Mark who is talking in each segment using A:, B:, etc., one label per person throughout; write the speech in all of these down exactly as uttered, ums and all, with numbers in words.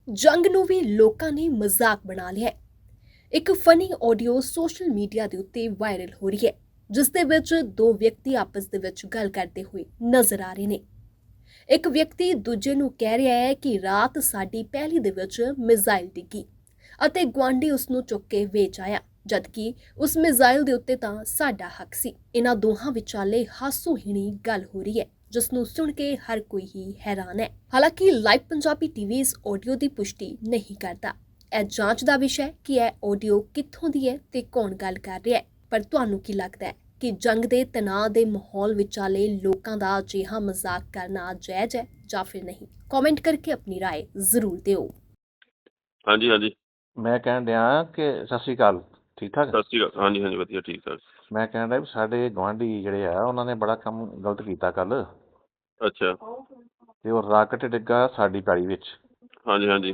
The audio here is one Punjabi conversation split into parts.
A: ਜੰਗ ਨੂੰ ਵੀ ਲੋਕਾਂ ਨੇ ਮਜ਼ਾਕ ਬਣਾ ਲਿਆ ਹੈ। ਇੱਕ ਫਨੀ ਆਡੀਓ ਸੋਸ਼ਲ ਮੀਡੀਆ ਦੇ ਉੱਤੇ ਵਾਇਰਲ ਹੋ ਰਹੀ ਹੈ, ਜਿਸ ਦੇ ਵਿੱਚ ਦੋ ਵਿਅਕਤੀ ਆਪਸ ਦੇ ਵਿੱਚ ਗੱਲ ਕਰਦੇ ਹੋਏ ਨਜ਼ਰ ਆ ਰਹੇ ਨੇ। ਇੱਕ ਵਿਅਕਤੀ ਦੂਜੇ ਨੂੰ ਕਹਿ ਰਿਹਾ ਹੈ ਕਿ ਰਾਤ ਸਾਡੀ ਪਹਿਲੀ ਦੇ ਵਿੱਚ ਮਿਜ਼ਾਈਲ ਡਿੱਗੀ ਅਤੇ ਗੁਆਂਢੀ ਉਸ ਨੂੰ ਚੁੱਕ ਕੇ ਵੇਚ ਆਇਆ, ਜਦਕਿ ਉਸ ਮਿਜ਼ਾਈਲ ਦੇ ਉੱਤੇ ਤਾਂ ਸਾਡਾ ਹੱਕ ਸੀ। ਇਹਨਾਂ ਦੋਹਾਂ ਵਿਚਾਲੇ ਹਾਸੋਹੀਣੀ ਗੱਲ ਹੋ ਰਹੀ ਹੈ, ਜਿਸ ਨੂੰ ਸੁਣ ਕੇ ਹਰ ਕੋਈ ਹੀ ਹੈਰਾਨ ਹੈ। ਹਾਲਾਂਕਿ ਲਾਈਵ ਪੰਜਾਬੀ ਟੀਵੀ ਇਸ ਆਡੀਓ ਦੀ ਪੁਸ਼ਟੀ ਨਹੀਂ ਕਰਦਾ। ਇਹ ਜਾਂਚ ਦਾ ਵਿਸ਼ਾ ਹੈ ਕਿ ਇਹ ਆਡੀਓ ਕਿੱਥੋਂ ਦੀ ਹੈ ਤੇ ਕੌਣ ਗੱਲ ਕਰ ਰਿਹਾ ਹੈ। ਪਰ ਤੁਹਾਨੂੰ ਕੀ ਲੱਗਦਾ ਹੈ ਕਿ ਜੰਗ ਦੇ ਤਣਾਅ ਦੇ ਮਾਹੌਲ ਵਿਚਾਲੇ ਲੋਕਾਂ ਦਾ ਅਜਿਹਾ ਮਜ਼ਾਕ ਕਰਨਾ ਜਾਇਜ਼ ਹੈ ਜਾਂ ਫਿਰ ਨਹੀਂ? ਕਮੈਂਟ ਕਰਕੇ ਆਪਣੀ ਰਾਏ ਜ਼ਰੂਰ ਦਿਓ।
B: ਹਾਂਜੀ ਹਾਂਜੀ
C: ਮੈਂ ਕਹਿਣ ਡਿਆ ਕਿ ਸਤਿ ਸ਼੍ਰੀ ਅਕਾਲ, ਠੀਕ ਠਾਕ।
B: ਸਤਿ ਸ਼੍ਰੀ ਅਕਾਲ। ਹਾਂਜੀ ਹਾਂਜੀ ਵਧੀਆ ਠੀਕ ਠਾਕ।
C: ਮੈਂ ਕਹਿਣ ਡਿਆ ਵੀ ਸਾਡੇ ਗੁਆਂਢੀ ਜਿਹੜੇ ਆ ਉਹਨਾਂ ਨੇ ਬੜਾ ਕੰਮ ਗਲਤ ਕੀਤਾ ਕੱਲ,
B: ਅੱਛਾ।
C: ਤੇ ਉਹ ਰਾਕਟ ਡਿੱਗਾ ਸਾਡੀ ਪੈਲੀ ਵਿੱਚ।
B: ਹਾਂਜੀ ਹਾਂਜੀ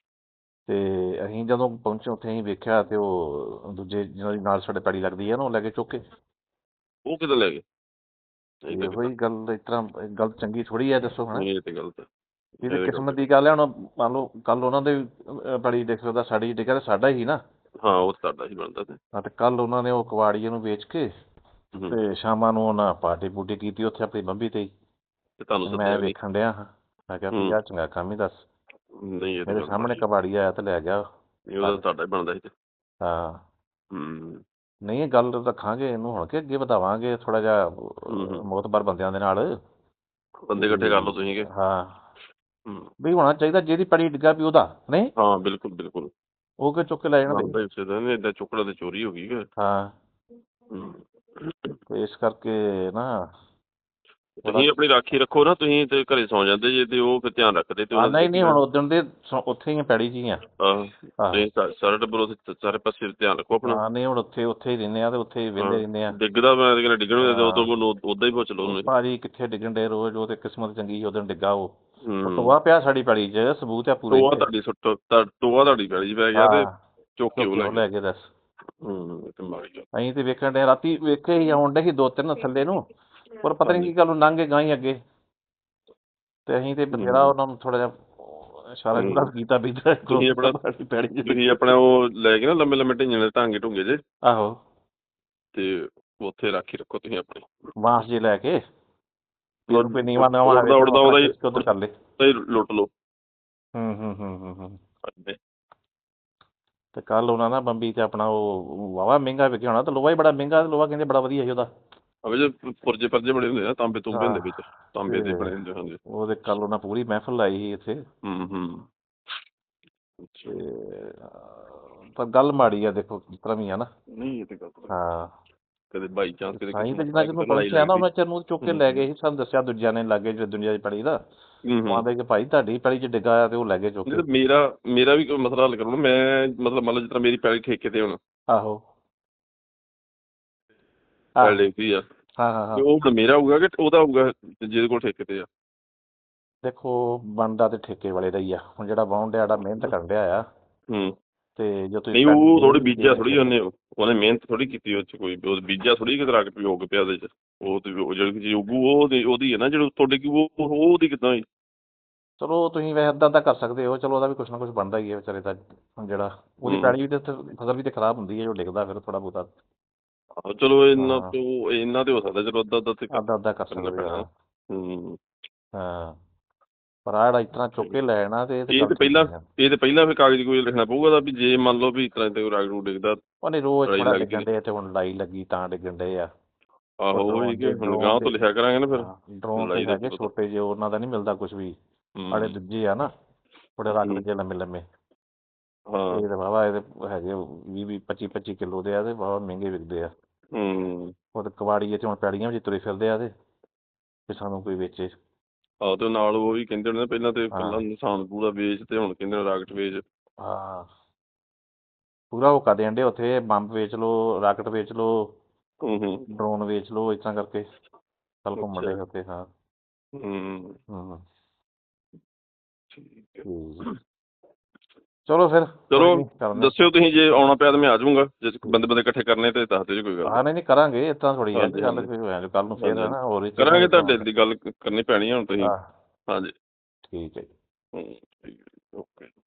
C: ਤੇ ਅਸੀਂ ਜਦੋਂ ਪਹੁੰਚੇ ਉੱਥੇ ਅਸੀਂ ਵੇਖਿਆ ਤੇ ਉਹ ਦੂਜੇ ਜਿਹਨਾਂ ਦੀ ਨਾਲ ਸਾਡੇ ਪੈਲੀ ਲੱਗਦੀ ਆ ਨਾ, ਉਹ ਲੈ ਕੇ ਚੁੱਕ ਕੇ।
B: ਉਹ ਕਿੱਦਾਂ ਲੈ ਗਏ?
C: ਤੇ
B: ਇਹ ਤਾਂ
C: ਉਹੀ ਗੱਲ ਇਸ ਤਰ੍ਹਾਂ ਗੱਲ ਚੰਗੀ ਥੋੜ੍ਹੀ ਹੈ, ਦੱਸੋ ਹੁਣ।
B: ਨਹੀਂ, ਇਹ ਤੇ ਗਲਤ ਹੈ।
C: ਇਹ ਤਾਂ
B: ਇਹ
C: ਕਿਸਮਤ
B: ਗਲਤ
C: ਦੀ ਗੱਲ ਹੈ। ਹੁਣ ਮੰਨ ਲਓ ਕੱਲ ਉਹਨਾਂ ਦੇ ਅਹ, ਪੈਲੀ ਡਿੱਗ ਸਕਦਾ, ਸਾਡੀ ਡਿੱਗਾ ਤੇ ਸਾਡਾ ਹੀ ਨਾ।
B: ਹਾਂ, ਉਹ ਤਾਂ ਤੁਹਾਡਾ ਹੀ ਬਣਦਾ ਤੇ।
C: ਹਾਂ, ਤੇ ਕੱਲ ਉਹਨਾਂ ਨੇ ਉਹ ਕਬਾੜੀਏ ਨੂੰ ਵੇਚ ਕੇ
B: ਹੂੰ।
C: ਤੇ ਸ਼ਾਮਾਂ ਨੂੰ ਉਹਨਾਂ ਪਾਰਟੀ ਪੂਰਟੀ ਕੀਤੀ ਉੱਥੇ ਆਪਣੀ ਬੰਬੀ ਤੇ ਹੀ।
B: ਤੇ ਤੁਹਾਨੂੰ
C: ਤੇ ਮੈਂ
B: ਸੱਦਿਆ ਵੀ
C: ਵੇਖਣ ਡਿਆ ਹਾਂ, ਮੈਂ ਕਿਹਾ ਵੀ
B: ਹੂੰ
C: ਆਹ ਚੰਗਾ ਕੰਮ ਹੀ ਦੱਸ।
B: ਨਹੀਂ, ਇਹ ਤਾਂ
C: ਮੇਰੇ
B: ਗੱਲ
C: ਸਾਹਮਣੇ
B: ਮਾੜੀ।
C: ਕਬਾੜੀ ਆਇਆ ਤੇ ਲੈ ਗਿਆ।
B: ਨਹੀਂ, ਉਹਦਾ ਤੁਹਾਡਾ ਹੀ ਬਣਦਾ ਸੀ ਤੇ।
C: ਹਾਂ,
B: ਹੂੰ
C: ਨਹੀਂ ਇਹ ਗੱਲ ਰੱਖਾਂਗੇ ਇਹਨੂੰ ਹੁਣ ਕਿ ਅੱਗੇ ਵਧਾਵਾਂਗੇ ਥੋੜਾ ਜਿਹਾ
B: ਹੂੰ
C: ਮੋਤਬਰ ਬੰਦਿਆਂ ਦੇ ਨਾਲ।
B: ਬੰਦੇ ਇਕੱਠੇ ਕਰ ਲਓ ਤੁਸੀਂ ਕਿ।
C: ਹਾਂ,
B: ਹੂੰ
C: ਵੀ ਹੋਣਾ ਚਾਹੀਦਾ ਜਿਹਦੀ ਪੜੀ ਡਿੱਗਾ ਵੀ ਉਹਦਾ ਨਹੀਂ,
B: ਹਾਂ, ਬਿਲਕੁਲ ਬਿਲਕੁਲ
C: ਉਹ ਕਿ ਚੁੱਕ ਕੇ ਲੈ ਜਾਣਾ ਤੇ।
B: ਬਣਦਾ ਇਸੇ ਦਾ। ਨਹੀਂ, ਏਦਾਂ ਚੁੱਕੜਾ ਤੇ ਚੋਰੀ ਹੋ ਗਈ ਕਿ।
C: ਹਾਂ,
B: ਹੂੰ
C: ਤੇ ਇਸ ਕਰਕੇ ਨਾ ਥੋੜਾ।
B: ਤੁਸੀਂ ਆਪਣੀ ਰਾਖੀ ਰੱਖੋ ਨਾ, ਤੁਸੀਂ ਤੇ ਘਰੇ ਸੌਂ ਜਾਂਦੇ ਜੇ ਤੇ ਉਹ ਫਿਰ ਧਿਆਨ ਰੱਖਦੇ ਤੇ
C: ਹਾਂ,
B: ਉਹਨਾਂ
C: ਨਹੀਂ
B: ਦੀ
C: ਨਹੀਂ ਹੁਣ ਉਦਣ ਦੇ ਸੌ- ਉੱਥੇ ਹੀ ਆ, ਪੈੜੀ 'ਚ ਹੀ ਆ।
B: ਆਹ
C: ਆਹੋ,
B: ਤੁਸੀਂ ਸਾ- ਸਾਰਾ ਟੱਬਰ ਉੱਥੇ ਸਾਰੇ ਪਾਸੇ ਧਿਆਨ ਰੱਖੋ ਆਪਣਾ।
C: ਹਾਂ, ਨਹੀਂ ਹੁਣ ਉੱਥੇ ਉੱਥੇ ਹੀ ਰਹਿੰਦੇ ਆ ਤੇ ਉੱਥੇ ਹੀ ਵਿਹਲੇ
B: ਹਾਂ,
C: ਰਹਿੰਦੇ ਆ।
B: ਡਿੱਗਦਾ ਮੈਂ ਤੇ ਕਹਿੰਦਾ ਡਿੱਗਣ ਦੇ ਉਦੋਂ
C: ਹਾਂ,
B: ਉਹਨੂੰ ਉਦਾਂ ਹੀ ਪੁੱਛ ਲਓ
C: ਉਹ
B: ਉਹਨੂੰ।
C: ਭਾਜੀ ਕਿੱਥੇ ਡਿੱਗਣ ਡੇ ਰੋਜ਼, ਉਹ ਤੇ ਕਿਸਮਤ ਚੰਗੀ ਉਦੋਂ ਡਿੱਗਾ। ਉਹ ਉਹ
B: ਹੂੰ
C: ਟੋਆ ਪਿਆ ਸਾਡੀ ਪੈੜੀ 'ਚ, ਸਬੂਤ ਆ ਪੂਰੇ
B: ਟੋਆ
C: ਇੱਥੇ।
B: ਤੁਹਾਡੀ ਸੁੱਟ ਤਾ- ਟੋਆ ਤੁਹਾਡੀ ਪੈਲੀ 'ਚ ਪੈ ਗਿਆ ਤੇ
C: ਹਾਂ,
B: ਚੁੱਕ ਕੇ
C: ਚੁੱਕ
B: ਉਹ
C: ਕੇ
B: ਲੈ
C: ਉਹ
B: ਗਏ।
C: ਲੈ ਕੇ ਦੱਸ।
B: ਹੂੰ ਇਹ ਤਾਂ ਮਾੜੀ ਗੱਲ।
C: ਅਸੀਂ ਤੇ ਵੇਖਣ ਡੇ ਰਾਤੀ ਵੇਖੇ ਹੀ ਆਉਣ ਡੇ ਸੀ ਦੋ ਤਿੰਨ ਥੱਲੇ ਨੂੰ, ਪਰ ਪਤਾ ਨਹੀਂ
B: ਹਾਂਜੀ
C: ਕੀ ਗੱਲ ਨੂੰ ਲੰਘ ਕੇ ਗਾਂ ਹੀ ਅੱਗੇ। ਤੇ ਅਸੀਂ ਤੇ ਬਥੇਰਾ
B: ਹੂੰ
C: ਉਹਨਾਂ ਨੂੰ ਥੋੜਾ ਜਿਹਾ ਇਸ਼ਾਰਾ
B: ਹੂੰ
C: ਇਸ਼ੂਰਾ ਕੀਤਾ ਵੀ ਇੱਧਰ
B: ਤੁਸੀਂ ਆਪਣਾ
C: ਪੈੜੀ 'ਚ
B: ਤੁਸੀਂ ਆਪਣਾ ਉਹ ਲੈ ਕੇ ਨਾ ਲੰਮੇ ਲੰਮੇ ਢਿੰਗੇ ਦੇ ਢਾਂਗੇ ਢੁੰਗੇ ਜੇ,
C: ਆਹੋ,
B: ਤੇ ਉੱਥੇ ਰਾਖੀ ਰੱਖੋ ਤੁਸੀਂ ਆਪਣੀ।
C: ਬਾਂਸ ਜੇ ਲੈ ਕੇ
B: ਮਤਲਬ
C: ਕੋਈ ਨੀਵਾਂ ਨਵਾਂ
B: ਉੜਦਾ ਉੜਦਾ ਉਹਦਾ ਹੀ
C: ਉਧਰ ਕਰ ਲੈ।
B: ਉਹਦਾ ਹੀ ਲੁੱਟ ਲਓ।
C: ਹੂੰ ਹੂੰ ਹੂੰ ਹੂੰ ਹੂੰ
B: ਹਾਂਜੀ।
C: ਤੇ ਕੱਲ ਉਹਨਾਂ ਨਾ ਬੰਬੀ ਤੇ ਆਪਣਾ ਉਹ ਵਾਹਵਾ ਮਹਿੰਗਾ ਵਿਕਿਆ ਹੋਣਾ, ਤੇ ਲੋਹਾ ਹੀ ਬੜਾ ਮਹਿੰਗਾ, ਲੋਹਾ ਕਹਿੰਦੇ ਬੜਾ ਵਧੀਆ ਸੀ ਉਹਦਾ।
B: ਅਵੇ ਜੇ ਪੁਰਜੇ ਪਰਜੇ ਬਣੇ ਹੁੰਦੇ ਨਾ, ਤਾਂਬੇ ਤੂੰਬੇ ਹੁੰਦੇ
C: ਹਾਂ,
B: ਵਿੱਚ, ਤਾਂਬੇ ਦੇ
C: ਤੇ
B: ਬਣੇ ਹੁੰਦੇ। ਹਾਂਜੀ।
C: ਉਹਦੇ ਕੱਲ ਉਹਨਾਂ ਪੂਰੀ ਮਹਿਫਲ ਲਾਈ ਸੀ ਇੱਥੇ।
B: ਹੂੰ ਹੂੰ ਅੱਛਾ।
C: ਤੇ ਪਰ ਗੱਲ ਮਾੜੀ ਆ, ਦੇਖੋ ਜਿਸ ਤਰ੍ਹਾਂ ਵੀ ਆ ਨਾ।
B: ਨਹੀਂ ਇਹ ਤੇ ਗਲਤ।
C: ਹਾਂ,
B: ਕਦੇ ਬਾਈ ਚਾਂਸ ਕਦੇ
C: ਸਾਈਂ ਤੇ
B: ਕਿਸਮਤ
C: ਜਿੰਨਾ
B: ਨਾਲ
C: ਚਿਰ ਨੂੰ
B: ਕਿਤੇ ਲੜਾਈ
C: ਪਹੁੰਚਿਆ ਨਾ
B: ਲੱਗਦੀ।
C: ਉਹਨਾਂ ਚਿਰ ਨੂੰ ਚੁੱਕ ਕੇ ਲੈ ਗਏ ਸੀ। ਸਾਨੂੰ ਦੱਸਿਆ ਦੂਜਿਆਂ ਨੇ ਲਾਗੇ ਜਿਹੜੇ ਦੁਨੀਆ ਦੀ ਪੈੜੀ ਦਾ,
B: ਹੂੰ
C: ਉਹ
B: ਹੂੰ
C: ਆਂਦੇ ਕਿ ਭਾਈ ਤੁਹਾਡੀ ਪੈੜੀ 'ਚ ਡਿੱਗਾ ਆ ਤੇ ਉਹ ਲੈ ਗਏ ਚੁੱਕ
B: ਨਹੀਂ
C: ਕੇ।
B: ਤਾਂ ਮੇਰਾ ਮੇਰਾ ਵੀ ਕੋਈ ਮਸਲਾ ਹੱਲ ਕਰੋ ਨਾ। ਮੈਂ ਮਤਲਬ ਮੰਨ ਲਓ ਜਿਸ ਤਰ੍ਹਾਂ ਮੇਰੀ ਪੈਲੀ ਠੇਕੇ ਤੇ ਹੁਣ
C: ਆਹੋ,
B: ਪੈਲੀ
C: ਆਹੋ,
B: ਡਿੱਗਦੀ ਆ,
C: ਹਾਂ ਹਾਂ ਹਾਂ।
B: ਤੇ ਉਹ ਹੁਣ ਮੇਰਾ ਹੋਊਗਾ ਕਿ ਉਹਦਾ ਹੋਊਗਾ ਜਿਹਦੇ ਕੋਲ ਠੇਕੇ ਤੇ ਆ?
C: ਦੇਖੋ ਬਣਦਾ ਤੇ ਠੇਕੇ ਵਾਲੇ ਦਾ ਹੀ ਆ। ਹੁਣ ਜਿਹੜਾ ਵਾਹੁਣ ਡਿਆ, ਜਿਹੜਾ ਮਿਹਨਤ ਕਰਨ ਡਿਆ ਆ,
B: ਹੂੰ
C: ਤੇ ਜੋ ਤੁਸੀਂ
B: ਨਹੀਂ,
C: ਪੈੜੀ
B: ਉਹ
C: ਦੇ
B: ਥੋੜੀ
C: ਦਿੱਤੀ
B: ਬੀਜਿਆ
C: ਉਹਨੇ
B: ਥੋੜੀ ਉਹਨੇ ਉਹਨੇ ਮਿਹਨਤ ਥੋੜੀ ਕੀਤੀ ਉਹ 'ਚ। ਕੋਈ ਉਹ ਬੀਜਿਆ ਥੋੜੀ ਕਿਤੇ ਰੱਖ ਪਿਓ ਕੇ ਪਿਆ ਉਹਦੇ 'ਚ। ਉਹ ਤੇ ਉਹ ਜਿਹੜੀ ਚੀਜ਼ ਉੱਗੂ ਉਹ ਉਹਦੀ ਉਹਦੀ ਹੈ ਨਾ, ਜਿਹੜੀ ਤੁਹਾਡੇ ਕੀ ਉਹ ਉਹ ਉਹਦੀ ਕਿੱਦਾਂ ਹੋਈ?
C: ਚਲੋ ਤੁਸੀਂ ਵੈਸੇ ਇੱਦਾਂ ਤਾਂ ਕਰ ਸਕਦੇ ਹੋ, ਚਲੋ ਉਹਦਾ ਵੀ ਕੁਛ ਨਾ ਕੁਛ ਬਣਦਾ ਹੀ ਹੈ ਵਿਚਾਰੇ ਦਾ। ਹੁਣ ਜਿਹੜਾ ਉਹਦੀ
B: ਹੂੰ
C: ਪੈੜੀ ਵੀ ਤੇ ਉੱਥੇ ਫਸਲ ਵੀ ਤੇ ਖਰਾਬ ਹੁੰਦੀ ਹੈ ਜੋ ਡਿੱਗਦਾ ਫਿਰ ਥੋੜਾ ਬਹੁਤਾ।
B: ਆਹੋ ਚਲੋ ਇਹਨਾਂ
C: ਹਾਂ,
B: ਤੋਂ ਇਹਨਾਂ ਤੇ ਹੋ ਸਕਦਾ, ਚਲੋ ਅੱਧਾ ਅੱਧਾ ਤੇ
C: ਅੱਧਾ ਅੱਧਾ ਕਰ
B: ਕਰਨਾ
C: ਸਕਦੇ
B: ਪੈਣਾ।
C: ਹਾਂ।
B: ਹੂੰ
C: ਹਾਂ, ਪਰ ਆਹ ਜਿਹੜਾ ਇਸ ਤਰ੍ਹਾਂ ਚੁੱਕ ਕੇ ਲੈ ਜਾਣਾ ਤੇ ਇਹ ਤੇ
B: ਇਹ
C: ਗੱਲ
B: ਤੇ
C: ਠੀਕ
B: ਪਹਿਲਾਂ
C: ਨਹੀਂ ਆ।
B: ਇਹ ਤੇ ਪਹਿਲਾਂ ਫਿਰ ਕਾਗਜ਼ ਕੋਈ ਲਿਖਣਾ ਪਊਗਾ ਤਾਂ ਵੀ ਜੇ ਮੰਨ ਲਓ ਵੀ ਇਸ ਤਰ੍ਹਾਂ ਤੇ ਰਾਗ ਰੂ ਡਿੱਗਦਾ,
C: ਉਹਨੇ ਰੋਜ਼
B: ਲੜਾਈ
C: ਥੋੜਾ
B: ਲੱਗਦੀ
C: ਡਿੱਗਣ
B: ਤੇ।
C: ਡੇ ਤੇ ਹੁਣ ਲੜਾਈ ਲੱਗੀ ਤਾਂ ਡਿੱਗਣ ਡੇ ਆ। ਉਹ
B: ਆਹੋ ਉਹੀ
C: ਡਰੋਨ
B: ਕਿ
C: ਜੇ
B: ਹੁਣ
C: ਡਰੋਨ
B: ਗਾਂਹ
C: ਦੇ,
B: ਤੋਂ ਲਿਖਿਆ ਕਰਾਂਗੇ ਨਾ ਫਿਰ
C: ਹਾਂ ਡਰੋਨ ਤੇ
B: ਲੜਾਈ ਦਾ ਕੀ
C: ਹੈਗੇ
B: ਪਤਾ।
C: ਛੋਟੇ ਜਿਹੇ, ਉਹਨਾਂ ਦਾ ਨਹੀਂ ਮਿਲਦਾ ਕੁਛ ਵੀ। ਆੜੇ
B: ਹੂੰ
C: ਦੂਜੇ ਆ ਨਾ ਥੋੜੇ ਰਗੜ
B: ਹੂੰ
C: ਜਿਹੇ ਲੰਮੇ ਲੰਮੇ,
B: ਹਾਂ
C: ਇਹ ਤਾਂ ਵਾਹਵਾ ਇਹਦੇ ਹੈਗੇ ਵੀਹ ਵੀਹ ਪੱਚੀ ਪੱਚੀ ਕਿੱਲੋ ਦੇ ਆ ਤੇ ਵਾਹਵਾ ਮਹਿੰਗੇ ਵਿਕਦੇ ਆ।
B: ਹੂੰ
C: ਉਹ ਤੇ ਕਬਾੜੀਏ ਤੇ ਹੁਣ ਪੈੜੀਆਂ ਵਿੱਚ ਤੁਰੇ ਫਿਰਦੇ ਆ ਤੇ ਤੇ ਸਾਨੂੰ ਕੋਈ ਵੇਚੇ।
B: ਆਹੋ ਤੇ ਨਾਲ ਉਹ ਵੀ ਕਹਿੰਦੇ ਹੋਣੇ ਨਾ ਪਹਿਲਾਂ ਤੇ
C: ਹਾਂ
B: ਪਹਿਲਾਂ ਨਿਸ਼ਾਨ ਪੂਰਾ ਵੇਚ ਤੇ ਹੁਣ ਕਹਿੰਦੇ ਰਾਕਟ ਵੇਚ।
C: ਹਾਂ, ਪੂਰਾ ਹੋਕਾ ਦੇਣ ਡੇ ਉੱਥੇ, ਬੰਬ ਵੇਚ ਲਓ, ਰਾਕਟ ਵੇਚ ਲਓ,
B: ਹੂੰ ਹੂੰ
C: ਡਰੋਨ ਵੇਚ ਲਓ, ਇਸ ਤਰ੍ਹਾਂ ਕਰਕੇ ਕੱਲ ਘੁੰਮਣ
B: ਅੱਛਾ
C: ਡੇ ਉੱਥੇ। ਹਾਂ
B: ਹੂੰ
C: ਹੂੰ
B: ਠੀਕ ਹੈ।
C: ਠੀਕ, ਚਲੋ ਫਿਰ ਕੋਈ
B: ਚਲੋ
C: ਨਹੀਂ ਕਰਨੇ।
B: ਦੱਸਿਓ ਤੁਸੀਂ ਜੇ ਆਉਣਾ ਪਿਆ ਤਾਂ ਮੈਂ ਆ ਜਾਊਂਗਾ। ਜੇ ਬੰਦੇ ਬੰਦੇ ਇਕੱਠੇ ਕਰਨੇ ਤੇ ਦੱਸ ਦਿਓ ਜੀ, ਕੋਈ ਗੱਲ
C: ਹਾਂ
B: ਨਹੀਂ।
C: ਨਹੀਂ ਨਹੀਂ ਕਰਾਂਗੇ, ਇਸ ਤਰ੍ਹਾਂ ਥੋੜ੍ਹੀ ਹੈ ਕਿ
B: ਹਾਂਜੀ
C: ਗੱਲ
B: ਹਾਂਜੀ
C: ਕੋਈ ਹੋਇਆ ਕੱਲ ਨੂੰ ਫੇਰ
B: ਹਾਂਜੀ
C: ਹੈ
B: ਹਾਂਜੀ
C: ਨਾ ਹੋਰ ਹੀ ਚੀਜ਼ਾਂ
B: ਕਰਾਂਗੇ,
C: ਵੀ
B: ਤੁਹਾਡੇ
C: ਬਣਾਉਣਗੇ।
B: ਦੀ ਗੱਲ ਕਰਨੀ ਪੈਣੀ ਹੈ ਹੁਣ ਤੁਸੀਂ।
C: ਹਾਂ
B: ਹਾਂਜੀ
C: ਠੀਕ ਹੈ ਜੀ।
B: ਹੂੰ ਠੀਕ ਹੈ ਓਕੇ।